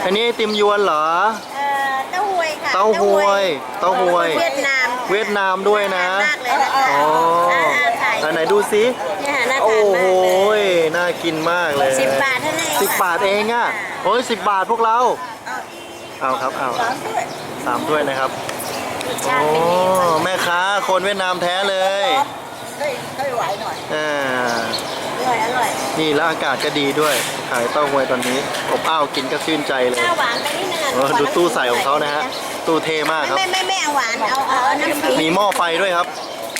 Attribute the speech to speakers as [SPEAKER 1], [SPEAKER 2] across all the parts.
[SPEAKER 1] อันนี้ไอติมยวนเหรอ
[SPEAKER 2] เต้าหวยค่ะ
[SPEAKER 1] เต้าหวยเต้าหวย
[SPEAKER 2] เวียดนาม
[SPEAKER 1] เวียดนามด้วยนะ
[SPEAKER 2] มากเลยนะคะ
[SPEAKER 1] อ๋ออันไหนดูสิ
[SPEAKER 2] เนี่ยน่า
[SPEAKER 1] โอ้
[SPEAKER 2] ทาน
[SPEAKER 1] โห
[SPEAKER 2] มากเลย
[SPEAKER 1] น่ากินมากเลย
[SPEAKER 2] 10 บาทเท่านั้นเอง
[SPEAKER 1] 10 บาทเองอ่ะโอ้ย10 บาทพวกเรา เอาครับเอา3 ถ้วยนะครับ
[SPEAKER 2] รส
[SPEAKER 1] โอ้
[SPEAKER 2] ชาติเป็นยังไง
[SPEAKER 1] แม่ค้าคนเวียดนามแท้เลยให้ไหวหน่อย
[SPEAKER 2] อร่อยอร่อย
[SPEAKER 1] นี่แล้วอากาศก็ดีด้วยขายเต้าหวยตอนนี้อบอ้าวกินก็ชื่นใจเลย
[SPEAKER 2] ข้าวหวานไปนิดนึงอ่ะ
[SPEAKER 1] ดูตู้ใส่ของเขานะฮะตู้เท่มากครับ
[SPEAKER 2] ไม่เอาหวานเอาน้ำขิง
[SPEAKER 1] มีหม้อไฟด้วยครับ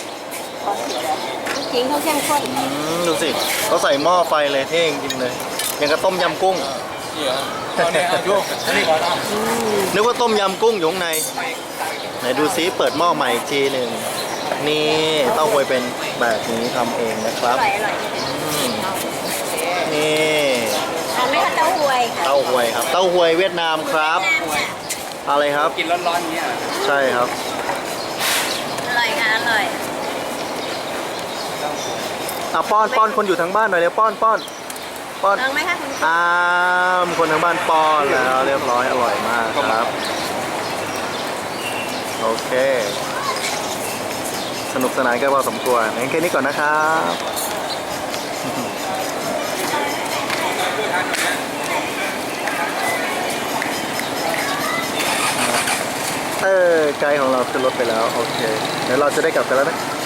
[SPEAKER 2] น้ำขิงเขาเข้มข้น
[SPEAKER 1] ดูสิเขาใส่หม้อไฟเลยเท่จริงๆเลยอย่างกับต้มยำกุ้งนึกว่าต้มยำกุ้งอยู่ข้างในไหนดูซิเปิดหม้อใหม่อีกทีหนึ่งนี่เต้าหวยเป็นแบบนี้ทำเองนะค
[SPEAKER 2] อ
[SPEAKER 1] รับ
[SPEAKER 2] ร่อย
[SPEAKER 1] นี่
[SPEAKER 2] ทานไหมคะเต้าหวยค่ะ
[SPEAKER 1] เต้าหวยครับเต้าหวยเวียดนามครับอะไรครับ
[SPEAKER 3] กินร้อนๆเนี่ย
[SPEAKER 1] ใช่ครับ
[SPEAKER 2] อร่อยค่ะอร่อย
[SPEAKER 1] ป้อนคนอยู่ทางบ้านหน่อยเร็วป้อนป้อน
[SPEAKER 2] ลองไหมคะคุณ
[SPEAKER 1] มีคนทางบ้านป้อนแล้วเรียบร้อยอร่อยมากครับโอเคสนุกสนานกันพอสมควรงั้นแค่นี้ก่อนนะครับไกด์ของเราขึ้นรถไปแล้วโอเคเดี๋ยวเราจะได้กลับกันแล้วนะ